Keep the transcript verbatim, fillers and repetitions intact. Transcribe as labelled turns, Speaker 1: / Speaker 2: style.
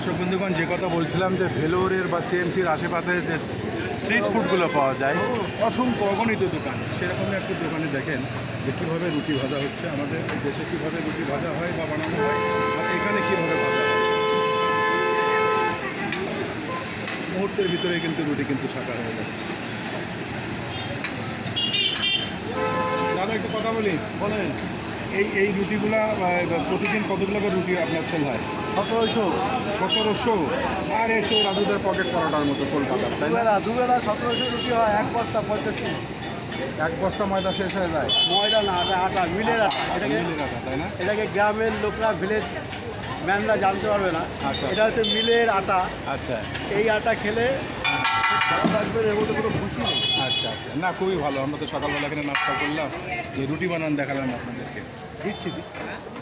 Speaker 1: দর্শক বন্ধুগণ, যে কথা বলছিলাম যে ভেলোরের বা সিএমসির আশেপাশে যে স্ট্রিট ফুডগুলো পাওয়া যায় অসংখ্য অগণিত দোকান, সেরকমই একটি দোকানে দেখেন যে কীভাবে রুটি ভাজা হচ্ছে। আমাদের দেশে কীভাবে রুটি ভাজা হয় বা বানানো হয় আর এখানে কীভাবে ভাজা হয়, মুহূর্তের ভিতরে কিন্তু রুটি কিন্তু ছাকা হয়ে যায়। দাদা একটু কথা বলি, বলেন এই এই রুটিগুলা প্রতিদিন কতগুলো করে রুটি আপনার সেল হয়?
Speaker 2: সতেরোশো
Speaker 1: সতেরোশো আর এসে রাজুদের পকেট পরোটার মতো কলকাতার, তাই না?
Speaker 2: দুবেলা দুবেলা সতেরোশো রুটি হয়, এক বস্তা পঁয়ষট্টি।
Speaker 1: এক বস্তা ময়দা শেষ হয়ে যায়।
Speaker 2: ময়দা না, আটা আটা মিলের আটা। এটাকে
Speaker 1: মিলের আটা, তাই না?
Speaker 2: এটাকে গ্রামের লোকরা, ভিলেজ ম্যানরা জানতে পারবে না।
Speaker 1: আচ্ছা।
Speaker 2: এটা হচ্ছে মিলের আটা।
Speaker 1: আচ্ছা
Speaker 2: এই আটা খেলে ভালো থাকবে, এর মধ্যে কোনো খুশি নেই।
Speaker 1: আচ্ছা আচ্ছা, না খুবই ভালো। আমরা তো সকালবেলা এখানে নাস্তা করলাম, যে রুটি বানান দেখালাম আপনাদেরকে।
Speaker 2: দিচ্ছি দিচ্ছি।